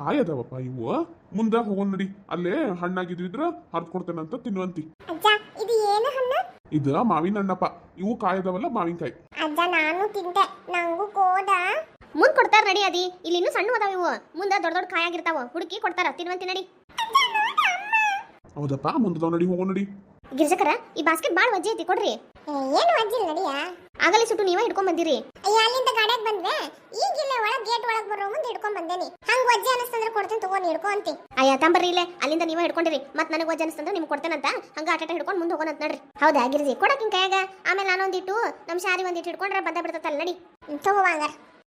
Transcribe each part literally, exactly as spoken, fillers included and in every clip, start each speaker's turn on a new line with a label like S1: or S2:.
S1: ಕಾಯಿ ಅದಾವಪ್ಪ ಇವು. ಮುಂದೆ ಹೋಗೋಣ ನಡಿ, ಅಲ್ಲೇ ಹಣ್ಣಾಗಿದ್ವಿದ್ರ ಹರ್ದ್ ಕೊಡ್ತೇನಂತ ತಿನ್ನುವಂತಿ.
S2: ಅಜ್ಜ ಇದು ಏನು ಹಣ್ಣು?
S1: ಇದು ಮಾವಿನ ಹಣ್ಣಪ್ಪ. ಇವು ಕಾಯಿ ಅದಾವಲ್ಲ ಮಾವಿನಕಾಯಿ.
S2: ಅಜ್ಜ ನಾನು ತಿಂತೆ, ನಂಗೂ ಕೋದ.
S3: ಮುಂದ್ ಕೊಡ್ತಾರ ನಡಿ ಅದಿ. ಇಲ್ಲಿ ಇನ್ನೂ ಸಣ್ಣ ಅದಾವ ಇವು, ಮುಂದ ದೊಡ್ಡ ದೊಡ್ಡ ಕಾಯಾಗಿರ್ತಾವ, ಹುಡುಕಿ ಕೊಡ್ತಾರ ತಿನ್ವಂತಿ ನಡಿ.
S1: ಹೌದಪ್ಪ, ಮುಂದದವ್ ನಡಿ, ಹೋಗೋ ನಡಿ.
S3: ಗಿರ್ಜಕರ ಈ ಬಾಸ್ಕೆಟ್ ಬಾಳ್ ವಜ್ಜೆ ಐತಿ ಕೊಡ್ರಿ.
S2: ಏನು ಅಜ್ಜಿಲ್ ನಡಿಯ?
S3: ಆಗಲಿ ಸುಟ್ಟು ನೀವೇ ಹಿಡ್ಕೊಂಡ್ ಬಂದಿರಿ.
S2: ಅಯ್ಯ ಅಲ್ಲಿಂದ ಗಾಡ್ಯಾಗ ಬಂದ್ವೆ, ಈಗಿಲ್ಲ ಒಳಗ್ ಗೇಟ್ ಒಳಗ್ ಬರೋ ಮುಂದೆ ಹಿಡ್ಕೊಂಡ್ ಬಂದೇನಿ. ಹಂಗ ವಜ್ಜೆ ಅನಸ್ತಂದ್ರೆ ಕೊಡ್ತೀನಿ ತಗೋ, ನೀ ಹಿಡ್ಕೊ ಅಂತಿ.
S3: ಅಯ್ಯ ತಂಬರ್ರಿ ಇಲ್ಲೇ, ಅಲ್ಲಿಂದ ನೀವೇ ಹಿಡ್ಕೊಂಡಿರಿ. ಮತ್ ನನಗೆ ವಜ್ಜೆ ಅನಸ್ತಂದ್ರೆ ನಿಮ್ಗೆ ಕೊಡ್ತೇನಂತ ಹಂಗ ಆಟಾಟ ಹಿಡ್ಕೊಂಡು ಮುಂದೆ ಹೋಗೋಣ ಅಂತ ನಡ್ರಿ. ಹೌದಾ ಗಿರ್ಜಿ, ಕೊಡಕಿನ್ ಕೈಯಾಗ. ಆಮೇಲೆ ನಾನೊಂದಿಟ್ಟು ನಮ್ ಶಾರಿ ಒಂದಿಟ್ಟು ಹಿಡ್ಕೊಂಡ್ರೆ ಬಂದ ಬಿಡ್ತಲ್ಲ ನಡಿ.
S2: ತಗೋ ಹಂಗಾರ.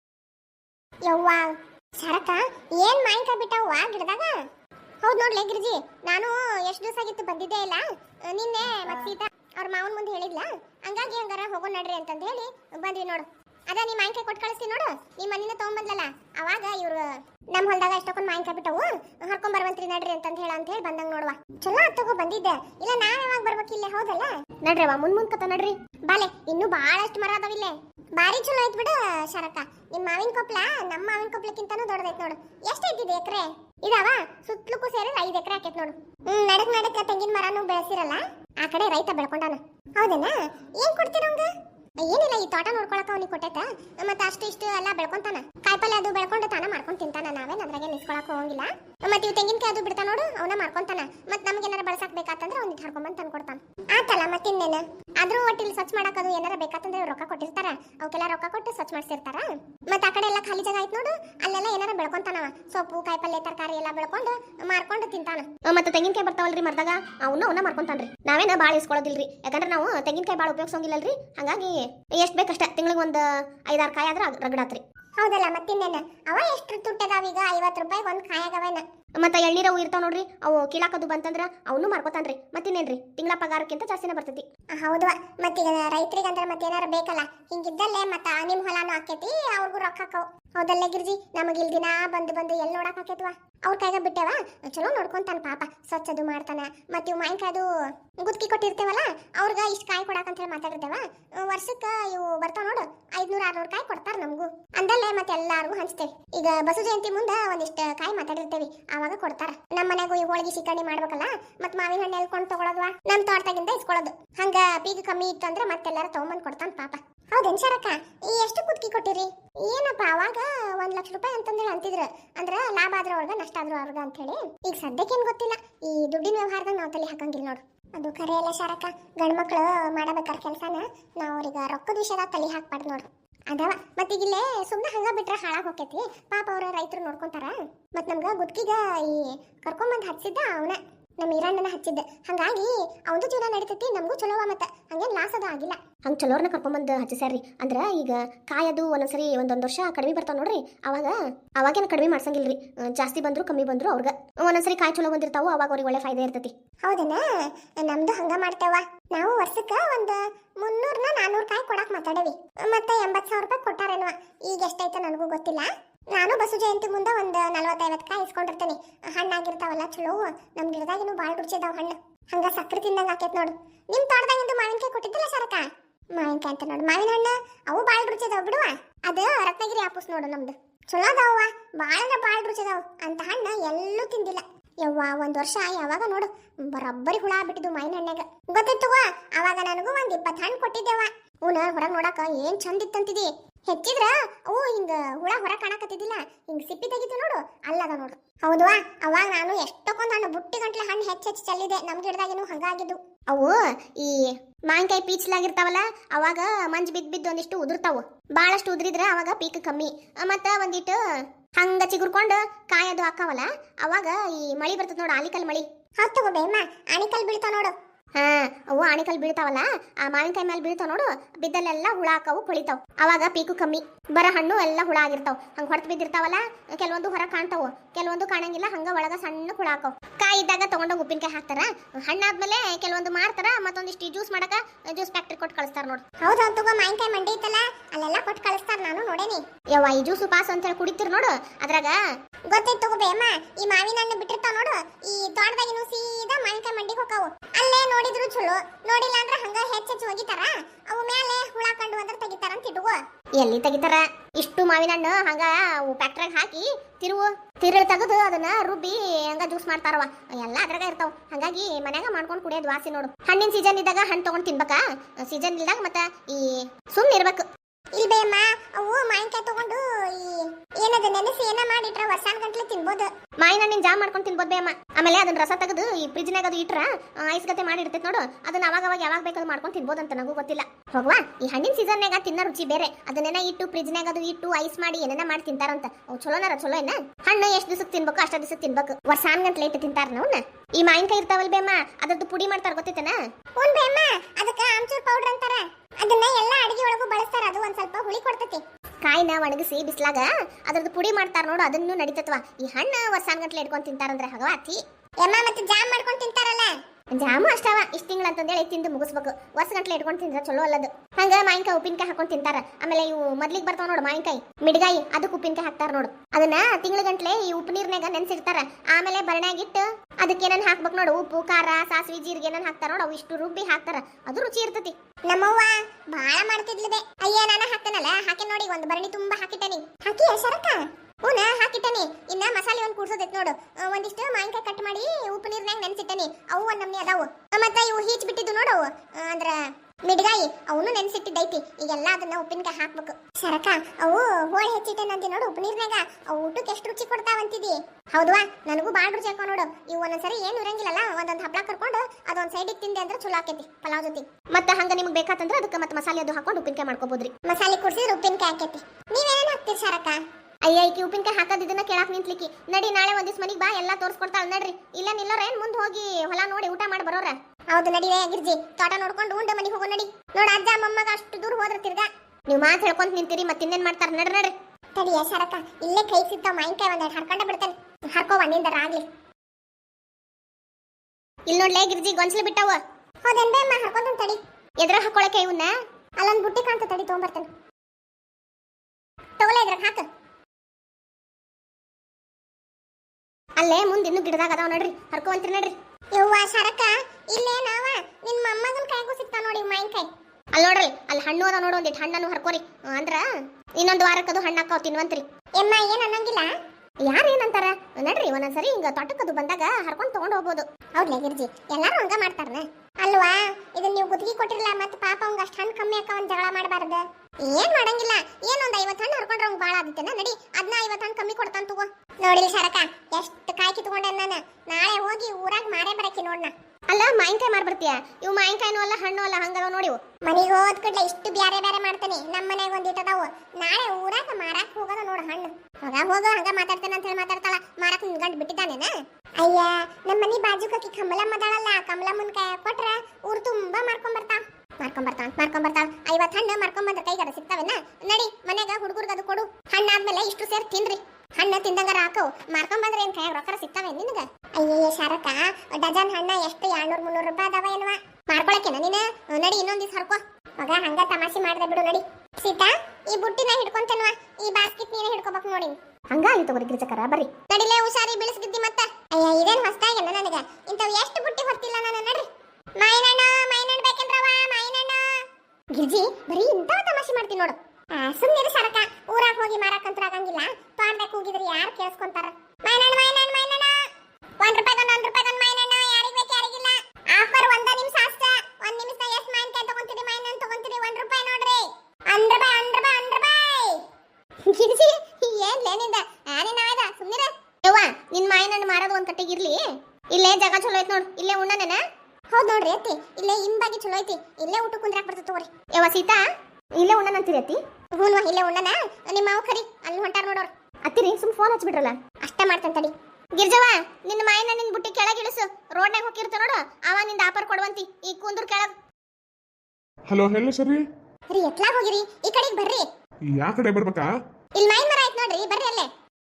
S2: ಯವ್ವ ಶರಕ, ಏನ್ ಮಾವಿನಕಾಯಿ ಬಿಟ್ಟವ್ವ ಗಿಡದಾಗ? ಹೌದ್ ನೋಡ್ಲೆ ಗಿರ್ಜಿ, ನಾನು ಎಷ್ಟು ದಿವಸ ಆಗಿತ್ತು ಬಂದಿದ್ದೇ ಇಲ್ಲ. ನಿನ್ನೆ ಮತ್ ಸೀತಾ ಅವ್ರ ಮಾವನ್ ಮುಂದೆ ಹೇಳಿದ್ಲ, ಹಂಗಾಗಿ ಹಂಗಾರ ಹೋಗೋ ನಡ್ರಿ ಅಂತಂದ್ ಹೇಳಿ ಬಂದ್ವಿ ನೋಡು. ಅದ ನೀ ಮಾವಿನಕಾಯಿ ಕೊಟ್ಟು ಕಳಿಸ್ತೀನಿ ನೋಡು, ನೀ ಮನಿನ ತಗೊಂಬಂದ್ಲಲ್ಲ ಅವಾಗ ಇವ್ರು ನಮ್ ಹೊಲ್ದಾಗ ಎಷ್ಟೊಂದು ಮಾವಿನಕಾಯಿ ಬಿಟ್ಟವು, ಹರ್ಕೊಂಡ್ ಬರ್ವಂತ್ರಿ ನಡ್ರಿ ಅಂತಂದ್ ಹೇಳ ಅಂತ ಹೇಳಿ ಬಂದಂಗ ನೋಡುವ. ಚಲೋ ಆತ್ ತಗೋ ಬಂದಿದ್ದೆ, ಇಲ್ಲ ನಾವ್ ಯಾವಾಗ ಬರ್ಬೇಕಿಲ್ಲ? ಹೌದಲ್ಲ
S3: ನಡ್ರಿ ಅವ ಮುಂದ್ ಮುಂದ್ ಕತ್ತ ನಡ್ರಿ.
S2: ಬಾಲೆ, ಇನ್ನು ಬಹಳಷ್ಟು ಮರ ಅದಾವಿಲ್ಲೆ. ಬಾರಿ ಚಲೋ ಐತ್ ಬಿಡು ಶರಕ. ನಿಮ್ ಮಾವಿನ ಕೊಪ್ಲ ನಮ್ಮ ಮಾವಿನ ಕೊಪ್ಲಕ್ಕಿಂತಾನು ದೊಡ್ಡದೈತ್ ನೋಡು. ಎಷ್ಟ್ ಐತಿದೆ ಎಕರೆ? ಇದಾವ ಸುತ್ತಲಕ್ಕೂ ಸೇರಿ ಐದ್ ಎಕರೆ ಆಕೇತ್ ನೋಡು. ಹ್ಮ್ ನಡಕ್ ನಡಕ್ ತೆಂಗಿನ ಮರನು ಬೆಳೆಸಿರಲ್ಲ, ಆ ಕಡೆ ರೈತ ಬೆಳ್ಕೊಂಡಾನ. ಹೌದೇನಾ? ಏನ್ ಕೊಡ್ತೀರಂಗ? ಏನಿಲ್ಲ, ಈ ತೋಟ ನೋಡ್ಕೊಳಕ ಅವ್ನಿಗೆ ಕೊಟ್ಟೈತ. ಮತ್ತೆ ಅಷ್ಟು ಇಷ್ಟು ಎಲ್ಲ ಬೆಳ್ಕೊಂತಾನ. ಕಾಯಿಪಲ್ಲೆ ಅದು ಬೆಳ್ಕೊಂಡು ತಾನ ಮಾಡ್ಕೊಂಡ್ ತಿಂತಾನ, ನಾವೇನ್ ಅದ್ರಾಗೆ ನಿಸ್ಕೊಳಕ್ ಹೋಗಂಗಿಲ್ಲ. ಮತ್ತೆ ಇವ್ ತೆಂಗಿನಕಾಯಿ ಅದು ಬಿಡ್ತಾ ನೋಡು, ಅವನ ಮಾಡ್ಕೊಂತಾನ. ಮತ್ ನಮ್ಗೆ ಏನಾರ ಬಳಸಾಕ್ ಬೇಕಾತಂದ್ರೆ ಅವ್ನಿಗೆ ಹರ್ಕೊಂಬಂದ್ ತಂದ್ಕೊಡ್ತಾನ. ಆತಲ್ಲ ಮತ್ತಿನ್ನೇನ. ಆದ್ರೂ ಒಟ್ಟಿಲ್ ಸ್ವಚ್ಛ ಮಾಡಕ್ ಅದು ಏನಾರ ಬೇಕಾತಂದ್ರೆ ರೊಕ್ಕ ಕೊಟ್ಟಿರ್ತಾರ, ಅವಕ್ಕೆಲ್ಲ ರೊಕ್ಕ ಕೊಟ್ಟು ಸ್ವಚ್ಛ ಮಾಡ್ಸಿರ್ತಾರ. ಮತ್ ಆ ಕಡೆ ಎಲ್ಲ ಖಾಲಿ ಜಾಗ ಆಯ್ತು ನೋಡು, ಅಲ್ಲೆಲ್ಲ ಏನಾರ ಬೆಳ್ಕೊಂತಾನವ. ಸೊಪ್ಪು ಕಾಯಿಪಲ್ಲೆ ತರಕಾರಿ ಎಲ್ಲ ಬೆಳ್ಕೊಂಡು ಮಾರ್ಕೊಂಡು ತಿಂತಾನ.
S3: ಮತ್ತೆ ತೆಂಗಿನಕಾಯಿ ಬರ್ತಾವಲ್ರಿ ಮರ್ದಾಗ, ಅವನ್ನ ಅವನ್ನ ಮಾರ್ಕೊಂತಾನ್ರಿ. ನಾವೇನ ಬಾಳ ಇಸ್ಕೊಳ್ಳೋದಿಲ್ರಿ, ಯಾಕಂದ್ರೆ ನಾವು ತೆಂಗಿನಕಾಯಿ ಬಾಳ ಉಪಯೋಗಿಸೋಂಗಿಲ್ಲಲ್ರಿ. ಹಂಗಾಗಿ ಎಷ್ಟ್ ಬೇಕಷ್ಟ, ತಿಂಗಳಿಗೆ ಒಂದ್ ಐದಾರು ಕಾಯಿ ಆದ್ರ ರಗಡಾತ್ರಿ.
S2: ಹೌದಲ್ಲ ಮತ್ತಿನ್ನೇನ. ಅವ ಎಷ್ಟು ತುಟ್ಟದಾವೀಗ? ಐವತ್ ರೂಪಾಯಿ ಒಂದ್ ಕಾಯಾಗವನ.
S3: ಮತ್ತೆ ಎಳ್ನೀರವು ಇರ್ತಾವ ನೋಡ್ರಿ, ಅವು ಕೀಳಾಕದು ಬಂತಂದ್ರ ಅವನು ಮಾರ್ಕೋತಾನ್ರಿ. ಮತ್ತಿನ್ನೇನ್ರಿ, ತಿಂಗಳ ಪಗಾರಕ್ಕಿಂತ ಜಾಸ್ತಿನೇ ಬರ್ತೈತಿ.
S2: ಹೌದು, ಮತ್ತೀಗ ರೈತರಿಗಂದ್ರ ಮತ್ತೇನಾರ ಬೇಕಲ್ಲ, ಹಿಂಗಿದ್ದಲ್ಲೇ ಮತ್ತ ನಿಮ್ ಹೊಲಾನು ಆಕೇತಿ, ಅವ್ರಿಗೂ ರೊಕ್ಕ ಹಾಕವ್. ಹೌದಲ್ಲ ಗಿರ್ಜಿ, ನಮಗ್ ಇಲ್ ದಿನ ಬಂದು ಬಂದು ಎಲ್ಲಿ ನೋಡಕ್ ಆಕೇತ್ವ? ಅವ್ರ ಕೈಗ ಬಿಟ್ಟೇವ, ಚಲೋ ನೋಡ್ಕೊಂತಾನ ಪಾಪ, ಸ್ವಚ್ಛದು ಮಾಡ್ತಾನ. ಮತ್ ಇವ್ ಮಾವಿನಕಾಯ್ದು ಗುತ್ತಿ ಕೊಟ್ಟಿರ್ತೇವಲ್ಲ, ಅವ್ರಗ ಇಷ್ಟ ಕಾಯಿ ಕೊಡಾಕಂತ ಹೇಳಿ ಮಾತಾಡಿರ್ತೇವ. ವರ್ಷಕ್ಕ ಇವು ಬರ್ತಾವ ನೋಡು, ಐದ್ನೂರ ಆರ್ನೂರ್ ಕಾಯಿ ಕೊಡ್ತಾರ ನಮಗೂ. ಅಂದಲ್ಲೇ ಮತ್ತೆ ಎಲ್ಲಾರ್ಗು ಹಂಚ್ತೇವೆ. ಈಗ ಬಸು ಜಯಂತಿ ಮುಂದ ಒಂದಿಷ್ಟ ಕಾಯಿ ಮಾತಾಡಿರ್ತೇವಿ, ಅವಾಗ ಕೊಡ್ತಾರ. ನಮ್ಮ ಮನೆಗೂ ಈ ಹೋಳಿಗೆ ಸಿಕ್ಕಣಿ ಮಾಡ್ಬೇಕಲ್ಲ, ಮತ್ ಮಾವಿನ ಹಣ್ಣು ಎಲ್ಕೊಂಡ್ ತಗೊಳೋದ್ವಾ, ನಮ್ ತೋಟದಾಗಿಂದ ಇಸ್ಕೊಳ್ಳೋದು. ಹಂಗ ಪೀಗ ಕಮ್ಮಿ ಇತ್ತು ಅಂದ್ರೆ ಮತ್ತೆಲ್ಲಾರ ತಗೊಂಬಂದ್ ಕೊಡ್ತಾನ ಪಾಪ. ಹೌದೇನ್ ಶರಕ? ಈ ಎಷ್ಟು ಕುತ್ಕಿ ಕೊಟ್ಟಿರಿ? ಏನಪ್ಪ ಅವಾಗ ಒಂದ್ ಲಕ್ಷ ರೂಪಾಯಿ ಅಂತಂದೇಳಿ ಅಂತಿದ್ರು, ಅಂದ್ರ ಲಾಭ ಆದ್ರ ಅವ್ರಗ ನಷ್ಟ ಆದ್ರೂ ಅವ್ರಗ ಅಂತ ಹೇಳಿ. ಈಗ ಸದ್ಯಕ್ಕೇನ್ ಗೊತ್ತಿಲ್ಲ, ಈ ದುಡ್ಡಿನ ವ್ಯವಹಾರದಾಗ ನಾವ್ ತಲೆ ಹಾಕಂಗಿಲ್ಲ ನೋಡು. ಅದು ಖರೆ ಎಲ್ಲ ಶರಕ, ಗಂಡ್ಮಕ್ಳು ಮಾಡಬೇಕಾದ ಕೆಲ್ಸನ ನಾವ್ ಅವ್ರಿಗೆ ರೊಕ್ಕದ ವಿಷಯದಾಗ ತಲೆ ಹಾಕ್ಬಾರ್ದು ನೋಡು. ಅದವ ಮತ್ತೀಗಿಲ್ಲೇ ಸುಮ್ನೆ ಹಂಗ ಬಿಟ್ರೆ ಹಾಳಾಗ್ ಹೋಕೈತಿ. ಪಾಪ ಅವ್ರ ರೈತರು ನೋಡ್ಕೊಂತಾರ. ಮತ್ ನಮ್ಗ ಗುತ್ಕಿಗ ಈ ಕರ್ಕೊಂಬಂದ್ ಹಚ್ಚಿದ್ದ ಅವನ, ನಮ್ ಈರಣ್ಣನ ಹಚ್ಚಿದ್ದ. ಹಂಗಾಗಿ ಅವಂದು ಜೀವನ ನಡೀತೈತಿ, ನಮಗೂ ಚಲೋವ. ಮತ್ತ ಹಂಗೇನ್ ಲಾಸ್ ಅದು ಆಗಿಲ್ಲ.
S3: ಹಂಗೆ ಚಲೋರ್ನ ಕರ್ಕೊಂಬಂದ್ ಹಚ್ಚಿಸ್ಯಾರ್ರಿ. ಅಂದ್ರೆ ಈಗ ಕಾಯದು ಒಂದೊಂದ್ಸರಿ ಒಂದೊಂದು ವರ್ಷ ಕಡಿಮೆ ಬರ್ತಾವ ನೋಡ್ರಿ, ಅವಾಗ ಅವಾಗೇನು ಕಡಿಮೆ ಮಾಡ್ಸಂಗಿಲ್ರಿ. ಜಾಸ್ತಿ ಬಂದ್ರು ಕಮ್ಮಿ ಬಂದ್ರು ಅವ್ರಗ ಒಂದೊಂದ್ಸರಿ ಕಾಯಿ ಚಲೋ ಬಂದಿರ್ತಾವು, ಅವಾಗ ಅವ್ರಿಗೆ ಒಳ್ಳೆ ಫಾಯ್ದೆ ಇರ್ತೈತಿ.
S2: ಹೌದನ? ನಮ್ದು ಹಂಗ ಮಾಡ್ತೇವ ನಾವು. ವರ್ಷಕ್ಕ ಒಂದ್ ಮುನ್ನೂರ್ನ ನಾನೂರ್ ಕಾಯಿ ಕೊಡಾಕ್ ಮಾತಾಡೇವಿ. ಮತ್ತೆ ಎಂಬತ್ ಸಾವಿರ ರೂಪಾಯಿ ಕೊಟ್ಟಾರೇನ್ವ. ಈಗ ಎಷ್ಟೈತ ನನಗೂ ಗೊತ್ತಿಲ್ಲ. ನಾನು ಬಸು ಜಯಂತಿ ಮುಂದೆ ಒಂದ್ ನಲ್ವತ್ತೈವತ್ ಕಾಯಿ ಇಸ್ಕೊಂಡಿರ್ತೇನೆ. ಹಣ್ಣಾಗಿರ್ತಾವಲ್ಲ ಚಲೋ, ನಮ್ ಗಿಡದಾಗಿನೂ ಬಾಳ್ ರುಚಿದಾವ್ ಹಣ್ಣು. ಹಂಗ ಸಕ್ರೆ ತಿಂದಂಗ ಆಕೇತ್ ನೋಡು. ನಿಮ್ ತೋಟದಾಗಿಂದು ಮಾವಿನಕಾಯಿ ಕೊಟ್ಟಿದ್ದಿಲ್ಲ ಶರಕ? ಮಾವಿನಕಾಯಿ ಅಂತ ನೋಡು, ಮಾವಿನ ಹಣ್ಣು ಅವು ಬಾಳ್ ರುಚಿದಾವ್ ಬಿಡುವ. ಅದು ರತ್ನಗಿರಿ ಆಪೂಸ್ ನೋಡು ನಮ್ದು, ಚಲೋ ಅದಾವ, ಬಾಳ ಅಂದ್ರೆ ಬಾಳ್ ರುಚಿದಾವ್. ಅಂತ ಹಣ್ಣ ಎಲ್ಲೂ ತಿಂದಿಲ್ಲ ಯವ್ವ. ಒಂದ್ ವರ್ಷ ಯಾವಾಗ ನೋಡು ಬರಬ್ಬರಿ ಹುಳ ಬಿಟ್ಟಿದ್ದು ಮಾವಿನ ಹಣ್ಣಾಗ. ಗೊತ್ತಿತ್ತುವ, ಅವಾಗ ನನಗೂ ಒಂದ್ ಇಪ್ಪತ್ ಹಣ್ಣು ಕೊಟ್ಟಿದ್ದೇವ. ಅವನ ಹೊರಗ್ ನೋಡಾಕ ಏನ್ ಚಂದ ಇತ್ತಂತಿದಿ. ಹೆಚ್ಚಿದ್ರ ಅವು ಹಿಂಗ ಹುಳ ಹೊರ ಕಾಣಕತ್ತಿದ್ದಿಲ್ಲ, ಹಿಂಗ್ ಸಿಪ್ಪಿ ತೆಗಿತು ನೋಡು, ಅಲ್ಲದ ನೋಡು. ಹೌದವಾ, ಅವಾಗ ನಾನು ಎಷ್ಟೊಂದ್ ಹಣ್ಣು ಬುಟ್ಟಿ ಗಂಟ್ಲೆ ಹಣ್ಣು ಹೆಚ್ಚ್ ಹೆಚ್ಚು ಚೆಲ್ಲಿದೆ. ನಮ್ ಗಿಡದಾಗಿನೂ ಹಂಗಾಗಿದ್ದು.
S3: ಅವು ಈ ಮಾವಿನಕಾಯಿ ಪೀಚ್ಲಾಗಿರ್ತಾವಲ್ಲ, ಅವಾಗ ಮಂಜ್ ಬಿದ್ದು ಬಿದ್ದು ಒಂದಿಷ್ಟು ಉದುರ್ತಾವು. ಬಾಳಷ್ಟು ಉದುರಿದ್ರೆ ಅವಾಗ ಪೀಕ್ ಕಮ್ಮಿ. ಮತ್ತ ಒಂದಿಟ್ಟು ಹಂಗ ಚಿಗುರ್ಕೊಂಡು ಕಾಯದು ಹಾಕಾವಲ್ಲ, ಅವಾಗ ಈ ಮಳಿ ಬರ್ತದ ನೋಡು, ಆಲಿಕಲ್ ಮಳಿ.
S2: ಹೌದ್ ತಗೋ ಬೇಮ್ಮ, ಆಣಿಕಲ್ ಬೀಳ್ತಾವ ನೋಡು.
S3: ಹಾ, ಅವು ಆಣಿಕಲ್ ಬೀಳ್ತಾವಲ್ಲ, ಆ ಮಾವಿನಕಾಯಿ ಮೇಲೆ ಬೀಳ್ತಾವ ನೋಡು, ಬಿದ್ದಲ್ಲೆಲ್ಲ ಹುಳ ಹಾಕವು, ಕೊಳಿತಾವ್. ಅವಾಗ ಪೀಕು ಕಮ್ಮಿ, ಬರ ಹಣ್ಣು ಎಲ್ಲ ಹುಳ ಆಗಿರ್ತಾವ. ಹಂಗ ಹೊರತು ಬಿದ್ದಿರ್ತಾವಲ್ಲ, ಕೆಲವೊಂದು ಹೊರ ಕಾಣ್ತಾವು, ಕೆಲವೊಂದು ಕಾಣಂಗಿಲ್ಲ. ಹಂಗ ಒಳಗ ಸಣ್ಣ ಹುಳ ಹಾಕವ್. ಕಾಯಿ ಇದ್ದಾಗ ತಗೊಂಡೋಗಿ ಉಪ್ಪಿನಕಾಯಿ ಹಾಕ್ತಾರ. ಹಣ್ಣಾದ್ಮೇಲೆ ಕೆಲವೊಂದು ಮಾರ್ತಾರ, ಮತ್ತೊಂದಿಷ್ಟು ಜ್ಯೂಸ್ ಮಾಡಕ ಜ್ಯೂಸ್ ಫ್ಯಾಕ್ಟ್ರಿ ಕೊಟ್ಟು ಕಳಿಸ್ತಾರ ನೋಡು.
S2: ಹೌದು ತಗೋ, ಮಾವಿನಕಾಯಿ ಮಂಡಿ ಐತಲ್ಲ, ಅಲ್ಲೆಲ್ಲ ಕೊಟ್ಟು ಕಳಿಸ್ತಾರ, ನಾನು ನೋಡೇನಿ.
S3: ಯವ್ವ, ಈ ಜ್ಯೂಸು ಪಾಸ್ ಅಂತ ಹೇಳಿ ಕುಡಿತೀರ್ ನೋಡು, ಅದ್ರಾಗ
S2: ಗೊತ್ತೈತ್ ತಗೋ ಬೇಮ್ಮ. ಈ ಮಾವಿನ ಹಣ್ಣು ಬಿಟ್ಟಿರ್ತಾವ ನೋಡು, ಈ ತೋಟದಾಗಿನೂ ಸೀದಾ ಮಾವಿನಕಾಯಿ ಮಂಡಿಗೆ ಹೋಗಾವು. ಅಲ್ಲೇ ನೋಡಿದ್ರು ಚಲೋ, ನೋಡಿಲ್ಲ ಅಂದ್ರೆ ಹಂಗ ಹೆಚ್ಚೆಚ್ಚು ಹೋಗಿತಾರ. ಅವು ಮೇಲೆ ಹುಳ ಕಂಡು ಅಂದ್ರೆ ತೆಗಿತಾರ ಅಂತ ಇಟ್ಕೋ.
S3: ಎಲ್ಲಿ ತೆಗಿತಾರ? ಇಷ್ಟು ಮಾವಿನ ಹಣ್ಣು ಹಂಗ ಫ್ಯಾಕ್ಟ್ರಾಗ ಹಾಕಿ ತಿರುವು ತಿರುಳು ತೆಗೆದು ಅದನ್ನ ರುಬ್ಬಿ ಹಂಗ ಜ್ಯೂಸ್ ಮಾಡ್ತಾರವ ಎಲ್ಲ ಅದ್ರಾಗ ಇರ್ತಾವ ಹಂಗಾಗಿ ಮನ್ಯಾಗ ಮಾಡ್ಕೊಂಡು ಕುಡಿಯೋದು ವಾಸಿ ನೋಡು ಹಣ್ಣಿನ ಸೀಸನ್ ಇದ್ದಾಗ ಹಣ್ಣು ತಗೊಂಡ್ ತಿನ್ಬೇಕಾ ಸೀಸನ್ ಇಲ್ದಾಗ ಮತ್ತ ಈ ಸುಮ್ಮನೆ ಇರ್ಬೇಕು
S2: ಇಲ್ಬೇಮ್ಮ ಅವು ಮಾವಿನಕಾಯಿ ತಗೊಂಡು ಈ ಏನದ ನೆನೆಸಿ ಏನ ಮಾಡಿಟ್ರ ವರ್ಷಾನ್ ಗಂಟ್ಲೆ ತಿನ್ಬೋದು
S3: ಮಾವಿನ ಹಣ್ಣಿನ ಜಾಮ್ ಮಾಡ್ಕೊಂಡು ತಿನ್ಬೋದು ಬೇಮ್ಮ ಆಮೇಲೆ ಅದನ್ನ ರಸ ತೆಗೆದು ಈ ಫ್ರಿಜ್ನಾಗ ಅದು ಇಟ್ರ ಐಸ್ ಗತೆ ಮಾಡಿ ಇರ್ತೈತೆ ನೋಡು ಅದನ್ನ ಅವಾಗ ಅವಾಗ ಯಾವಾಗ ಬೇಕಾದ್ರೂ ಮಾಡ್ಕೊಂಡು ತಿನ್ಬೋದು ಅಂತ ನನಗೂ ಗೊತ್ತಿಲ್ಲ ಹೋಗ್ವಾ ಈ ಹಣ್ಣಿನ ಸೀಸನ್ನಾಗ ತಿನ್ನೋ ರುಚಿ ಬೇರೆ ಅದನ್ನೆಲ್ಲ ಇಟ್ಟು ಫ್ರಿಜ್ನಾಗ ಅದು ಇಟ್ಟು ಐಸ್ ಮಾಡಿ ಏನೇನ ಮಾಡಿ ತಿಂತಾರಂತ ಅವು ಚಲೋನಾರ ಚಲೋ ಏನ ಹಣ್ಣು ಎಷ್ಟು ದಿವಸಕ್ಕೆ ತಿನ್ಬೇಕು ಅಷ್ಟ ದಿವಸಕ್ಕೆ ತಿನ್ಬೇಕು ವರ್ಷಾನ್ ಗಂಟ್ಲೆ ಇಟ್ಟು ತಿಂತಾರ ನಾವ್ನ ಈ ಮಾವಿನಕಾಯಿ ಇರ್ತಾವಲ್ ಬೇಮ್ಮ ಅದ್ರದ್ದು ಪುಡಿ ಮಾಡ್ತಾರ ಗೊತ್ತೈತೇನ
S2: ಹ್ಞೂ ಬೇಮ್ಮ ಅದಕ್ಕ ಆಮ್ಚೂರ್ ಪೌಡರ್ ಅಂತಾರ ಅದನ್ನ ಎಲ್ಲಾ ಅಡಿಗೆ ಒಳಗೂ ಬಳಸ್ತಾರ ಅದು ಒಂದ್ ಸ್ವಲ್ಪ ಹುಳಿ ಕೊಡ್ತೈತಿ
S3: ಕಾಯಿನ ಒಣಗಿಸಿ ಬಿಸ್ಲಾಗ ಅದ್ರದ್ದು ಪುಡಿ ಮಾಡ್ತಾರ ನೋಡು ಅದನ್ನು ನಡಿತತ್ವ ಈ ಹಣ್ಣು ವರ್ಷಾನ್ ಗಂಟ್ಲೆ ಇಟ್ಕೊಂಡು ತಿಂತಾರಂದ್ರೆ ಹಗವಾತಿ
S2: ಯಮ್ಮ ಮತ್ತೆ ಜಾಮ್ ಮಾಡ್ಕೊಂಡು ತಿಂತಾರಲ್ಲ
S3: ಜಾಮು ಅಷ್ಟವ ಇಷ್ಟ ತಿಂಗಳ ಅಂತಂದೇಳಿ ತಿಂದು ಮುಗಿಸ್ಬೇಕು ವರ್ಷ ಗಂಟ್ಲೆ ಇಟ್ಕೊಂಡು ತಿಂದ್ರೆ ಚಲೋ ಅಲ್ಲದು ಹಂಗ ಮಾವಿನಕಾಯಿ ಉಪ್ಪಿನಕಾಯಿ ಹಾಕೊಂಡು ತಿಂತಾರ ಆಮೇಲೆ ಇವು ಮೊದ್ಲಿಗೆ ಬರ್ತಾವ ನೋಡು ಮಾವಿನಕಾಯಿ ಮಿಡ್ಗಾಯಿ ಅದಕ್ಕೆ ಉಪ್ಪಿನಕಾಯಿ ಹಾಕ್ತಾರ ನೋಡು ಅದನ್ನ ತಿಂಗಳ ಗಂಟ್ಲೆ ಈ ಉಪ್ಪು ನೀರ್ನಾಗ ನೆನ್ಸಿರ್ತಾರ ಆಮೇಲೆ ಬರಣಾಗಿಟ್ಟು ಅದಕ್ಕೆ ಏನೇನು ಹಾಕ್ಬೇಕು ನೋಡು ಉಪ್ಪು ಖಾರ ಸಾಸಿವೆ ಜೀರಿಗೆ ಏನೇನು ಹಾಕ್ತಾರ ನೋಡು ಅವು ಇಷ್ಟು ರುಬ್ಬಿ ಹಾಕ್ತಾರ ಅದು ರುಚಿ ಇರ್ತತಿ
S2: ನಮ್ಮವ್ವ ಬಾಳ ಮಾಡ್ತಿದ್ಲಿದೆ ಅಯ್ಯ ನಾನು ಹಾಕ್ತೇನಲ್ಲ ಹಾಕಿ ನೋಡಿ ಒಂದು ಬರಣಿ ತುಂಬಾ ಹಾಕಿಟ್ಟೇನಿ ಹಾಕಿ ಶರಕ ಹೂನ ಹಾಕಿಟ್ಟೇನಿ ಇನ್ನ ಮಸಾಲೆ ಒಂದ್ ಕೂಡ್ಸೋದೈತ್ ನೋಡು ಒಂದಿಷ್ಟು ಮಾವಿನಕಾಯಿ ಕಟ್ ಮಾಡಿ ಉಪ್ಪು ನೀರ್ನಾಗ ನೆನ್ಸಿಟ್ಟೇನಿ ಅವು ಒಂದ್ ನಮ್ನಿ ಅದಾವು ಮತ್ತೆ ಇವು ಹೀಚ್ ಬಿಟ್ಟಿದ್ದು ನೋಡು ಅವು ಅಂದ್ರ ಮಿಡ್ಗಾಯಿ ಅವನು ನೆನ್ಸಿಟ್ಟಿದ್ದೈತಿ ಈಗೆಲ್ಲ ಅದನ್ನ ಉಪ್ಪಿನಕಾಯಿ ಹಾಕ್ಬೇಕು ಶರಕ ಅವು ಹೋಳಿ ಹೆಚ್ಚಿಟ್ಟೇನಂತಿ ನೋಡು ಉಪ್ಪು ನೀರ್ನಾಗ ಅವು ಊಟಕ್ಕೆ ಎಷ್ಟು ರುಚಿ ಕೊಡ್ತಾವಂತಿದಿ ಹೌದವಾ ನನಗೂ ಬಾಳ ರುಚಿ ಹಾಕೋ ನೋಡು ಇವು ಒಂದೊಂದ್ಸರಿ ಏನು ಇರಂಗಿಲ್ಲಲ್ಲ ಒಂದೊಂದ್ ಹಪ್ಳ ಕರ್ಕೊಂಡು ಅದೊಂದ್ ಸೈಡಿಗೆ ತಿಂದೆ ಅಂದ್ರೆ ಚಲೋ ಆಕೈತಿ ಪಲಾವ್ ಜೊತೆ
S3: ಮತ್ತೆ ಹಂಗ ನಿಮ್ಗೆ ಬೇಕಾತಂದ್ರೆ ಅದಕ್ಕೆ ಮತ್ತೆ ಮಸಾಲೆ ಅದು ಹಾಕೊಂಡು ಉಪ್ಪಿನಕಾಯಿ ಮಾಡ್ಕೋಬಹುದ್ರಿ
S2: ಮಸಾಲೆ ಕುಡ್ಸಿದ್ರೆ ಉಪ್ಪಿನಕಾಯಿ ಆಕೈತಿ ನೀವೇನೇನ್ ಹಾಕ್ತೀರಿ ಶರಕ
S3: ಅಯ್ಯ ಈಕಿ ಉಪ್ಪಿನಕಾಯಿ ಹಾಕೋದಿದ್ದನ್ನ ಕೇಳಾಕ್ ನಿಂತ್ಲಿಕ್ಕಿ ನಡಿ ನಾಳೆ ಒಂದ್ ದಿವ್ಸ ಮನಿಗೆ ಬಾ ಎಲ್ಲಾ ತೋರ್ಸ್ಕೊಡ್ತಾಳ ನಡ್ರಿ ಇಲ್ಲ ನಿಲ್ಲೋರ ಏನ್ ಮುಂದ್ ಹೋಗಿ ಹೊಲ ನೋಡಿ ಊಟ ಮಾಡಿ ಬರೋರ
S2: ಹೌದು ನಡಿವೆ ಗಿರ್ಜಿ ತೋಟ ನೋಡ್ಕೊಂಡು ಉಂಡ ಮನಿಗೆ ಹೋಗೋ ನಡಿ ನೋಡ ಅಜ್ಜ ಮೊಮ್ಮಗ ಅಷ್ಟು ದೂರ ಹೋದ್ರ ತಿರ್ಗಾ
S3: ನೀವು ಮಾತು ಹೇಳ್ಕೊಂತ ನಿಂತೀರಿ ಮತ್ತೆ ಇನ್ನೇನ್ ಮಾಡ್ತಾರ ನಡ್ರಿ ನಡ್ರಿ
S2: ತಡಿಯ ಶರಕ ಇಲ್ಲೇ ಕೈ ಸಿಗ್ತಾವ ಮಾವಿನಕಾಯಿ ಒಂದೆರಡು ಹರ್ಕೊಂಡ ಬಿಡ್ತಾನೆ ಹರ್ಕೋ ಒಂದಿಂದರ ಆಗ್ಲಿ
S3: ಇಲ್ಲಿ ನೋಡ್ಲೇ ಗಿರ್ಜಿ ಗೊಂಚಲು ಬಿಟ್ಟವ
S2: ಹೌದೇನ್ ಬೇಮ್ಮ ಹರ್ಕೊಂಡ್ ತಡಿ
S3: ಎದ್ರ ಹಾಕೊಳಕ್ಕೆ ಇವನ್ನ
S2: ಅಲ್ಲೊಂದ್ ಬುಟ್ಟಿ ಕಾಣ್ತ ತಡಿ ತಗೊಂಬರ್ತೇನೆ ತಗೊಳ್ಳೆ ಇದ್ರಾಗ ಹಾಕ
S3: ಅಲ್ಲೇ ಮುಂದೆ ಇನ್ನು ಗಿಡದಾಗ ಅದಾವ ನಡ್ರಿ ಹರ್ಕೊಂತ್ರಿ ನಡ್ರಿ
S2: ಯವ್ವ ಶರಕ ಇಲ್ಲೇ ನಾವ ನಿನ್ ಮೊಮ್ಮಗನ್ ಕೈಗೂ ಸಿಗ್ತಾವ ನೋಡಿ ಮಾವಿನಕಾಯಿ
S3: ಅಲ್ಲಿ ನೋಡ್ರಿ ಅಲ್ಲಿ ಹಣ್ಣು ಅದಾವ ನೋಡು ಒಂದಿಟ್ಟು ಹಣ್ಣನ್ನು ಹರ್ಕೋರಿ ಅಂದ್ರ ಇನ್ನೊಂದು ವಾರಕ್ಕದು ಹಣ್ಣು ಹಾಕಾವ್ ತಿನ್ವಂತ್ರಿ
S2: ಎಮ್ಮ ಏನ್ ಅನ್ನಂಗಿಲ್ಲ
S3: ಯಾರ ಏನಂತಾರ ನಡ್ರಿ ಒಂದೊಂದ್ಸರಿ ಹಿಂಗ ತೋಟಕ್ಕದು ಬಂದಾಗ ಹರ್ಕೊಂಡ್ ತಗೊಂಡ್ ಹೋಗ್ಬೋದು
S2: ಹೌದ್ಲೇ ಗಿರ್ಜಿ ಎಲ್ಲಾರು ಹಂಗ ಮಾಡ್ತಾರನ ಅಲ್ವಾ ಇದನ್ನ ನೀವು ಗುತ್ತಿಗೆ ಕೊಟ್ಟಿರಲ್ಲ ಮತ್ತೆ ಪಾಪ ಅವಂಗ ಅಷ್ಟು ಹಣ್ಣು ಕಮ್ಮಿ ಹಾಕ ಒಂದ್ ಜಗಳ ಮಾಡಬಾರ್ದು ಏನ್ ಮಾಡಂಗಿಲ್ಲ ಏನೊಂದ್ ಐವತ್ ಹಣ್ಣು ಹರ್ಕೊಂಡ್ರೆ ಅವ್ನ್ ಬಾಳ ಆದಿತ್ತೇನ ನಡಿ ಅದನ್ನ ಐವತ್ ಹಣ್ಣು ಕಮ್ಮಿ ಕೊಡ್ತಾನ ತಗೋ ನೋಡಿಲ್ ಶರಕ ಎಷ್ಟು ಕಾಯಿ ಕಿತ್ಕೊಂಡೆ ನಾನು ನಾಳೆ ಹೋಗಿ ಊರಾಗ ಮಾರೇ ಬರಕಿ ನೋಡ್ನ
S3: ಅಲ್ಲ ಮಾವಿನಕಾಯಿ ಮಾರ್ ಬರ್ತೀಯ ಇವು ಮಾವಿನಕಾಯಿನೂ ಅಲ್ಲ ಹಣ್ಣು ಅಲ್ಲ ಹಂಗದ ನೋಡಿ ಇವು
S2: ಮನಿಗೆ ಹೋದ್ ಕೂಡ್ಲೆ ಇಷ್ಟು ಬ್ಯಾರೆ ಬ್ಯಾರೆ ಮಾಡ್ತಾನೆ ನಮ್ಮ ಮನೆಗೆ ಒಂದಿಟ್ಟು ಅದಾವು ನಾಳೆ ಊರಾಗ ಮಾರಾಕ್ ಹೋಗೋದ ನೋಡು ಹಣ್ಣು ಹೋಗ ಹೋಗ ಹಂಗ ಮಾತಾಡ್ತೇನೆ ಅಂತ ಹೇಳಿ ಮಾತಾಡ್ತಾಳ ಮಾರಕ್ ನಿನ್ ಗಂಟು ಬಿಟ್ಟಿದ್ದಾನೇನ ಅಯ್ಯ ನಮ್ಮ ಮನಿ ಬಾಜುಕಿ ಕಮಲಮ್ಮ ಅದಾಳಲ್ಲ ಕಮಲಮ್ಮನ ಕೈ ಕೊಟ್ರ ಊರು ತುಂಬಾ ಮಾರ್ಕೊಂಡ್ ಬರ್ತಾವ ಮಾರ್ಕೊಂಡ್ ಬರ್ತಾವ ಮಾರ್ಕೊಂಡ್ ಬರ್ತಾವ ಐವತ್ ಹಣ್ಣು ಮಾರ್ಕೊಂಡ್ ಬಂದ್ರ ಕೈಗಾರ ಸಿಗ್ತಾವೇನ ನಡಿ ಮನೆಗ ಹುಡುಗರ್ಗ ಅದು ಕೊಡು ಹಣ್ಣಾದ್ಮೇಲೆ ಇಷ್ಟು ಸೇರಿ ತಿನ್ರಿ ಹಣ್ಣು ತಿಂದಂಗಾರ ಹಾಕವು ಮಾರ್ಕೊಂಡ್ ಬಂದ್ರೆ ಏನ್ ಕೈಯಾಗ ರೊಕ್ಕ ಸಿಗ್ತಾವೆ ನಿನಗ ಅಯ್ಯಯ್ಯ ಶಾರಕ ಡಜನ್ ಹಣ್ಣ ಎಷ್ಟು ಎರಡ್ನೂರ್ ಮುನ್ನೂರು ರೂಪಾಯಿ ಅದಾವ ಏನವ ಮಾರ್ಕೊಳಕೇನ ನೀನ ನಡಿ ಇನ್ನೊಂದ್ ದಿವ್ಸ ಹರ್ಕೋ ಮಗ ಹಂಗ ತಮಾಷೆ ಮಾಡ್ದೆ ಬಿಡು ನಡಿ ಸೀತಾ ಈ ಬುಟ್ಟಿನ ಹಿಡ್ಕೊಂತೇನ್ವಾ ಈ ಬಾಸ್ಕೆಟ್ ನೀನೇ ಹಿಡ್ಕೋಬೇಕು ನೋಡಿ
S3: ಹಂಗ ಅಲ್ಲಿ ತಗೋರಿ ಗಿರ್ಜಕರ ಬರ್ರಿ
S2: ನಡಿಲೇ ಹುಷಾರಿ ಬೀಳಿಸ್ಗಿದ್ದಿ ಮತ್ತ ಅಯ್ಯ ಇದೇನ್ ಹೊಸ್ತಾಗೇನ ನನಗ ಇಂಥವ್ ಎಷ್ಟು ಬುಟ್ಟಿ ಹೊತ್ತಿಲ್ಲ ನಾನು ನಡ್ರಿ ಮಾಯಿನಣ್ಣ ಮಾಯಿನಣ್ಣ ಬೇಕೇನ್ರವ ಮಾಯಿನಣ್ಣ ಗಿರ್ಜಿ ಬರೀ ಇಂಥ ತಮಾಷೆ ಮಾಡ್ತೀನಿ ನೋಡು ಸುಮ್ಮನೆ ಸರಕ ಊರಾಗ ಹೋಗಿ ಮಾರಾಕಂತ್ರ ಆಗಂಗಿಲ್ಲ ತೋಟದಾಗ ಹೋಗಿದ್ರೆ ಯಾರು ಕೇಳಿಸ್ಕೊಂತಾರ ಮಾಯಿನಣ್ಣ ಮಾಯಿನಣ್ಣ ಮಾಯಿನಣ್ಣ ಒಂದ್ ರೂಪಾಯಿ ಒಂದ್ ರೂಪಾಯಿ ಒಂದ್ ಮಾಯಿನಣ್ಣ ಯಾರಿಗ್ ಬೇಕು ಯಾರಿಗಿಲ್ಲ ಆಫರ್ ಒಂದ ನಿಮಿಷ ಅಷ್ಟ ಒಂದ್ ನಿಮಿಷ ಎಷ್ಟು ಮಾಯಿನಕಾಯಿ ತಗೊಂತೀರಿ ಮಾಯಿನಣ್ಣ ತಗೊಂತೀರಿ ಒಂದ್ ರೂಪಾಯಿ ನೋಡ್ರಿ ಒಂದ್ ರೂಪಾಯಿ ಒಂದ್ ರೂಪಾಯಿ ಒಂದ್ ರೂಪಾಯಿ
S3: ಗಿರ್ಜಿ ಏನ್ ಲೇನಿಂದ ಆನಿನ ಆಯ್ದ ಸುಮ್ಮನೆ ಯವ್ವ ನಿನ್ ಮಾಯಿನಣ್ಣು ಮಾರೋದು ಒಂದ್ ಕಟ್ಟಿಗಿರ್ಲಿ ಇಲ್ಲೇ ಜಾಗ ಚಲೋ ಐತ್ ನೋಡು ಇಲ್ಲೇ ಉಣ್ಣನೇನ
S2: ಹೌದ್ ನೋಡ್ರಿ ಅತ್ತಿ ಇಲ್ಲೇ ಹಿಂಬಾಗಿ ಚಲೋ ಐತಿ ಇಲ್ಲೇ ಊಟ ಕುಂದ್ರಾಕ್ ಬರ್ತದ ತಗೋರಿ
S3: ಯವ್ವ ಸೀತಾ ಇಲ್ಲೇ ಉಣ್ಣನಂತೀರಿ ಅತ್ತಿ
S2: ಹೂನ್ವಾ ಇಲ್ಲೇ ಉಣ್ಣನ ನಿಮ್ಮ ಮಾವು ಖರಿ ಅಲ್ಲಿ ಹೊಂಟಾರ ನೋಡೋರು
S3: ಅತ್ತಿರಿ ಸುಮ್ ಫೋನ್ ಹಚ್ಬಿಡ್ರಲ್ಲ
S2: ಅಷ್ಟ ಮಾಡ್ತಾನೆ ತಡಿ
S3: ಗಿರ್ಜವ್ವ ನಿನ್ನ ಮಾಯಿನಣ್ಣಿನ ಬುಟ್ಟಿ ಕೆಳಗಿಳಿಸು ರೋಡ್ನಾಗ ಹೋಗಿರ್ತ ನೋಡು ಅವ ನಿಂದ ಆಫರ್ ಕೊಡುವಂತಿ ಈ ಕುಂದ್ರ ಕೆಳಗ್
S1: ಹಲೋ ಹೇಳ ಸರಿ
S2: ರೀ ಎತ್ಲಾ ಹೋಗಿರಿ ಈ ಕಡೆಗೆ ಬರ್ರಿ
S1: ಯಾ ಕಡೆ ಬರ್ಬೇಕಾ
S2: ಇಲ್ಲಿ ಮಾವಿನ ಮರ ಆಯ್ತು ನೋಡ್ರಿ ಬರ್ರಿ ಅಲ್ಲೇ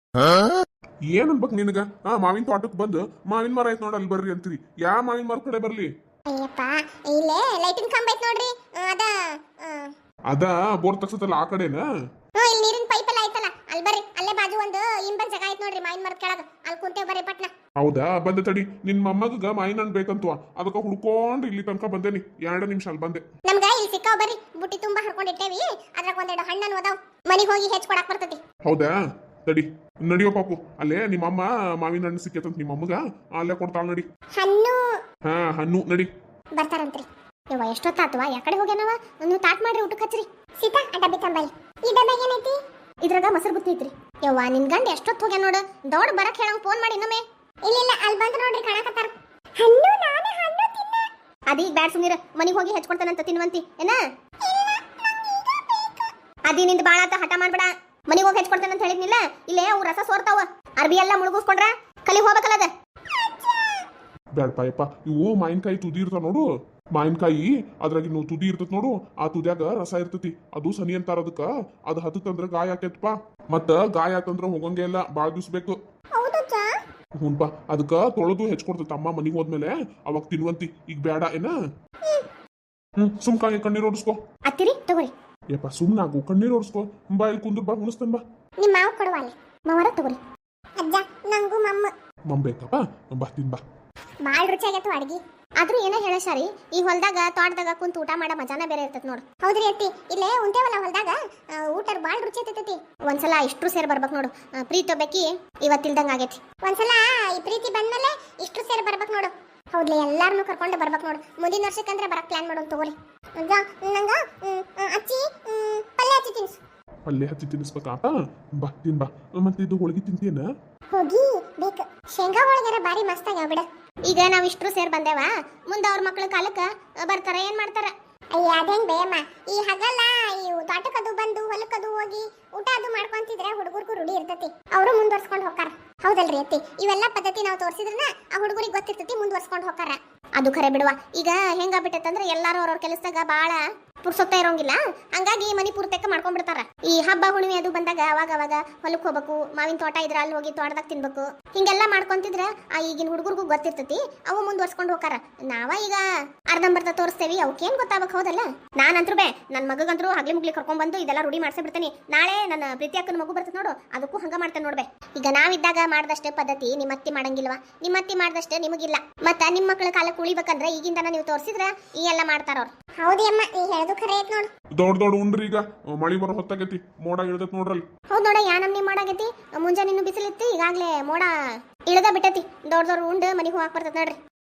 S1: ಏನ್ ಅನ್ಬೇಕು ನಿನಗ ಹಾ ಮಾವಿನ ತೋಟಕ್ ಬಂದು ಮಾವಿನ ಮರ ಐತ್ ನೋಡ ಅಲ್ಲಿ ಬರ್ರಿ ಅಂತೀರಿ ಯಾ ಮಾವಿನ ಮರ ಕಡೆ ಬರ್ಲಿ
S2: ಅಯ್ಯಪ್ಪ ಇಲ್ಲೇ ಲೈಟಿನ ಕಂಬ ಐತ್ ನೋಡ್ರಿ ಅದ
S1: ಅದ ಬೋರ್ ತಗ್ಸತ್ತಲ್ಲ ಆ ಕಡೆನಾ
S2: ಹ್ಞೂ ಇಲ್ಲಿ ನೀರಿನ ಪೈಪ್ ಎಲ್ಲ ಐತಲ್ಲ ಅಲ್ಲಿ ಬರ್ರಿ ಅಲ್ಲೇ ಬಾಜು ಒಂದು ಇಂಬನ್ ಜಾಗ ಐತ್ ನೋಡ್ರಿ ಮಾವಿನ ಮರದ ಕೆಳಗ ಅಲ್ಲಿ ಕುಂತೇವ್ ಬರ್ರಿ ಪಟ್ನ
S1: ಹೌದಾ ಬಂದೆ ತಡಿ ನಿನ್ ಮೊಮ್ಮಗ ಮಾವಿನ ಹಣ್ಣು ಬೇಕಂತವ ಅದಕ್ಕ ಹುಡ್ಕೊಂಡು ಇಲ್ಲಿ ತನಕ ಬಂದೇನಿ ಎರಡು ನಿಮಿಷ ಅಲ್ಲಿ ಬಂದೆ
S2: ನಮ್ಗ ಇಲ್ಲಿ ಸಿಕ್ಕಾವ್ ಬರ್ರಿ ಬುಟ್ಟಿ ತುಂಬಾ ಹರ್ಕೊಂಡಿಟ್ಟೇವಿ ಅದ್ರಾಗ ಒಂದೆರಡು ಹಣ್ಣನ್ನು ಅದಾವ್ ಮನಿಗೆ ಹೋಗಿ ಹೆಚ್ಚ್ ಕೊಡಾಕ್ ಬರ್ತೈತಿ
S1: ಹೌದಾ ತಡಿ ನಡಿಯೋ ಪಾಪು ಅಲ್ಲೇ ನಿಮ್ಮಮ್ಮ ಮಾವಿನ ಹಣ್ಣು ಸಿಕ್ಕೇತಂತ ನಿಮ್ಮಮ್ಮಗ ಅಲ್ಲೇ ಕೊಡ್ತಾಳ ನಡಿ.
S2: ಹಣ್ಣು
S1: ಹಾ ಹಣ್ಣು ನಡಿ.
S2: ಬರ್ತಾರಂತ್ರಿ.
S3: ಯವ್ವ ಎಷ್ಟೊತ್ತಾತವ ಯಾಕಡೆ ಹೋಗ್ಯಾನವ ನೀವು ತಾಟ್ ಮಾಡ್ರಿ ಊಟಕ್ಕೆ ಹಚ್ಚ್ರಿ.
S2: ಸೀತಾ ಆ ಡಬ್ಬಿ ತಂಬಲ್. ಈ ಡಬ್ಬಾಗ ಏನೈತಿ?
S3: ಇದ್ರಾಗ ಮೊಸರು ಬುತ್ತಿ ಐತ್ರಿ. ಯವ್ವ ನಿನ್ ಗಂಡ ಎಷ್ಟೊತ್ತು ಹೋಗ್ಯಾನ ನೋಡು ದೌಡ್ ಬರಕ್ ಹೇಳಂಗ್ ಫೋನ್ ಮಾಡಿ ಇನ್ನೊಮ್ಮೆ.
S2: ಇಲ್ಲ ಇಲ್ಲ ಅಲ್ಲಿ ಬಂದು ನೋಡ್ರಿ ಕಾಣಕತ್ತಾರ. ಹಣ್ಣು ನಾನು ಹಣ್ಣು ತಿನ್ನ.
S3: ಅದೀಗ ಬ್ಯಾಡ್ ಸುಮ್ನಿರ ಮನಿಗ್ ಹೋಗಿ ಹಚ್ಕೊಡ್ತಾನಂತ ತಿನ್ವಂತಿ ಏನ? ಅದಿ ನಿಂದ ಬಾಳ ಆತ ಹಠ ಮಾಡ್ಬೇಡ. ಮನಿಗ್ ಹೋಗಿ ಹಚ್ಕೊಡ್ತಾನಂತ ಹೇಳಿದ್ನಿಲ್ಲ ಇಲ್ಲೇ ಅವು ರಸ ಸೋರ್ತಾವ ಅರ್ಬಿ ಎಲ್ಲ ಮುಳುಗಿಸ್ಕೊಂಡ್ರ ಕಲಿ ಹೋಗ್ಬೇಕಲ್ಲದ.
S1: ಬ್ಯಾಡಪ್ಪ ಯಪ್ಪ ಇವು ಮಾವಿನಕಾಯಿ ತುದಿ ಇರ್ತಾವ ನೋಡು. ಮಾವಿನಕಾಯಿ ಅದ್ರಾಗ ನೀವು ತುದಿ ಇರ್ತತ್ ನೋಡು. ಆ ತುದಿಯಾಗ ರಸ ಇರ್ತತಿ. ಅದು ಸನಿ ಅಂತಾರ ಅದಕ್ಕ. ಅದು ಹತ್ತಂದ್ರ ಗಾಯ ಆಕೇತ್ಪ. ಮತ್ತ ಗಾಯ ಆತಂದ್ರ ಹೋಗಂಗೆ ಇಲ್ಲ ಬಾಳ ದಿವ್ಸ ಬೇಕು.
S2: ಹೌದಜ್ಜ.
S1: ಹುನ್ಪಾ ಅದಕ್ಕ ತೊಳೆದು ಹೆಚ್ಕೊಡ್ತೈತ ಅಮ್ಮ ಮನಿಗ್ ಹೋದ್ಮೇಲೆ ಅವಾಗ ತಿನ್ವಂತಿ. ಈಗ ಬೇಡ ಏನ? ಹ್ಮ್ ಸುಮ್ ಕಾಯಿ ಕಣ್ಣೀರ್ ಓಡಿಸ್ಕೋ.
S3: ಅತ್ತಿರಿ ತಗೋರಿ.
S1: ಯಪ್ಪ ಸುಮ್ನಾಗು ಕಣ್ಣೀರ್ ಓಡಿಸ್ಕೋ. ಬಾ ಇಲ್ಲಿ ಕುಂದ್ರ ಬಾ ಉಣಿಸ್ತೇನ್ ಬಾ.
S2: ನಿಮ್ಮ ಮಾವ ಕೊಡುವಲ್ಲಿ.
S3: ಮಾವರ ತಗೋರಿ.
S2: ಅಜ್ಜ ನಂಗೂ ಮಮ್ಮ.
S1: ಮಮ್ ಬೇಕಪ್ಪ ಬಾ ತಿನ್ ಬಾ.
S2: ಬಾಳ್ ರುಚಿಯಾಗೈತು ಅಡ್ಗಿ.
S3: ಆದ್ರೂ ಏನೇ ಹೇಳ ಶಾರಿ ಈ ಹೊಲ್ದಾಗ ತೋಟದಾಗ ಕುಂತ ಊಟ ಮಾಡೋ ಮಜಾನ ಬೇರೆ ಇರ್ತೈತಿ ನೋಡು.
S2: ಹೌದ್ರಿ ಅತ್ತಿ ಇಲ್ಲೇ ಉಂಟೇವಲ್ಲ ಹೊಲ್ದಾಗ ಊಟ ಬಾಳ್ ರುಚಿ ಇರ್ತೈತಿ.
S3: ಒಂದ್ಸಲ ಇಷ್ಟ್ರು ಸೇರ್ ಬರ್ಬೇಕು ನೋಡು. ಪ್ರೀತಿ ಒಬ್ಬಾಕಿ ಇವತ್ತಿಲ್ದಂಗ ಆಗೈತಿ.
S2: ಒಂದ್ಸಲ ಈ ಪ್ರೀತಿ ಬಂದ್ಮೇಲೆ ಇಷ್ಟು ಸೇರಿ ಬರ್ಬೇಕು ನೋಡು. ಹೌದ್ಲಿ ಎಲ್ಲಾರನು ಕರ್ಕೊಂಡು ಬರ್ಬೇಕು ನೋಡು. ಮುಂದಿನ ವರ್ಷಕ್ಕಂದ್ರೆ ಬರಕ್ ಪ್ಲಾನ್ ಮಾಡೋಣ ತಗೋರಿ. ಅಜ್ಜ ನಂಗ ಅಚ್ಚಿ ಪಲ್ಯ ಹಚ್ಚಿ ತಿನ್ಸು.
S1: ಪಲ್ಯ ಹಚ್ಚಿ ತಿನ್ನಿಸ್ಬೇಕಾತ ಬಾ ತಿನ್ ಬಾ. ಮತ್ತೆ ಇದು ಹೋಳಿಗೆ ತಿಂತೀನ?
S2: ಹೋಗಿ ಬೇಕು. ಶೇಂಗಾ ಹೋಳಿಗೆರ ಬಾರಿ ಮಸ್ತ್ ಆಗ್ಯಾವ ಬಿಡ.
S3: ಈಗ ನಾವ್ ಇಷ್ಟ್ರು ಸೇರ್ ಬಂದೇವ ಮುಂದ ಅವ್ರ ಮಕ್ಳ ಕಾಲಕ್ಕ ಬರ್ತಾರ ಏನ್ ಮಾಡ್ತಾರ?
S2: ಅಯ್ಯ ಅದೇನ್ ಬೇಯಮ್ಮ ಈ ಹಗಲ್ಲ ಈ ತೋಟಕ್ಕದು ಬಂದು ಹೊಲಕ್ಕದು ಹೋಗಿ ಊಟ ಅದು ಮಾಡ್ಕೊಂತಿದ್ರೆ ಹುಡುಗರ್ಗೂ ರೂಢಿ ಇರ್ತತಿ. ಅವರು ಮುಂದುವರ್ಸ್ಕೊಂಡು ಹೋಗ್ತಾರ. ಹೌದಲ್ರಿ ಅತ್ತಿ ಇವೆಲ್ಲ ಪದ್ಧತಿ ನಾವು ತೋರಿಸಿದ್ರನ ಆ ಹುಡುಗರಿಗೆ ಗೊತ್ತಿರ್ತತಿ ಮುಂದುವರ್ಸ್ಕೊಂಡು ಹೋಗ್ತಾರ.
S3: ಅದು ಖರೆ ಬಿಡುವ. ಈಗ ಹೆಂಗಾಗ್ಬಿಟ್ಟೈತಂದ್ರ ಎಲ್ಲಾರು ಅವ್ರವ್ರ ಕೆಲಸದಾಗ ಬಾಳ ಪುರ್ಸೊತ್ತ ಇರೋಂಗಿಲ್ಲ. ಹಂಗಾಗಿ ಮನಿ ಪೂರ್ತಕ್ಕ ಮಾಡ್ಕೊಂಡ್ಬಿಡ್ತಾರ. ಈ ಹಬ್ಬ ಹುಣ್ಣಿಮೆ ಅದು ಬಂದಾಗ ಅವಾಗ ಅವಾಗ ಹೊಲಕ್ ಹೋಗ್ಬೇಕು. ಮಾವಿನ ತೋಟ ಇದ್ರ ಅಲ್ಲಿ ಹೋಗಿ ತೋಟದಾಗ ತಿನ್ಬೇಕು. ಹಿಂಗೆಲ್ಲಾ ಮಾಡ್ಕೊಂತಿದ್ರ ಆ ಈಗಿನ ಹುಡುಗರ್ಗೂ ಗೊತ್ತಿರ್ತತಿ. ಅವು ಮುಂದುವರ್ಸ್ಕೊಂಡು ಹೋಗಾರ. ನಾವ ಈಗ ಅರ್ಧಂಬರ್ಧ ತೋರಿಸ್ತೇವಿ ಅವಕ್ಕೇನ್ ಗೊತ್ತಾಗಬೇಕು. ಹೌದಲ್ಲ? ನಾನಂತ್ರು ಬೇ ನನ್ ಮಗಗಂತ್ರು ಹಗ್ಲಿ ಮುಗ್ಲಿ ಕರ್ಕೊಂಡ್ ಬಂದು ಇದೆಲ್ಲ ರೂಢಿ ಮಾಡ್ಸೇ ಬಿಡ್ತೇನೆ. ನಾಳೆ ನನ್ನ ಪ್ರೀತಿ ಅಕ್ಕನ ಮಗು ಬರ್ತದೆ ನೋಡು ಅದಕ್ಕೂ ಹಂಗ ಮಾಡ್ತೇನೆ ನೋಡ್ಬೆ. ಈಗ ನಾವಿದ್ದಾಗ ಮಾಡ್ದಷ್ಟೇ ಪದ್ಧತಿ ನಿಮ್ಮತ್ತಿ ಮಾಡಂಗಿಲ್ವಾ? ನಿಮ್ಮತ್ತಿ ಮಾಡ್ದಷ್ಟೇ ನಿಮಗಿಲ್ಲ. ಮತ್ತ ನಿಮ್ಮ ಮಕ್ಕಳ ಕಾಲಕ್ಕೆ ಉಳಿಬೇಕಂದ್ರೆ ಈಗಿಂದನ ನೀವು ತೋರಿಸಿದ್ರ ಈ ಎಲ್ಲ ಮಾಡ್ತಾರ ಅವ್ರು.
S2: ಹೌದಿ ಅಮ್ಮ ನೀ ಹೇಳೋದು ಖರೆ ಐತ್ ನೋಡು.
S1: ದೊಡ್ಡ ದೊಡ್ಡ ಉಂಡ್ರಿ ಈಗ ಮಳಿ ಬರೋ ಹೊತ್ತಾಗೈತಿ. ಮೋಡ ಇಳ್ದೈತಿ ನೋಡ್ರಲ್ಲಿ.
S3: ಹೌದ್ ನೋಡ ಯಾ ನಮ್ನಿ ಮಾಡಾಗೈತಿ. ಮುಂಜಾನೆ ಇನ್ನು ಬಿಸಿಲಿತ್ತು ಈಗಾಗ್ಲೇ ಮೋಡ ಇಳದ ಬಿಟ್ಟತಿ. ದೊಡ್ಡ ದೊಡ್ಡ ಉಂಡು ಮನಿಗೆ ಹೋಗಾಕ್ ಬರ್ತದ ನೋಡ್ರಿ.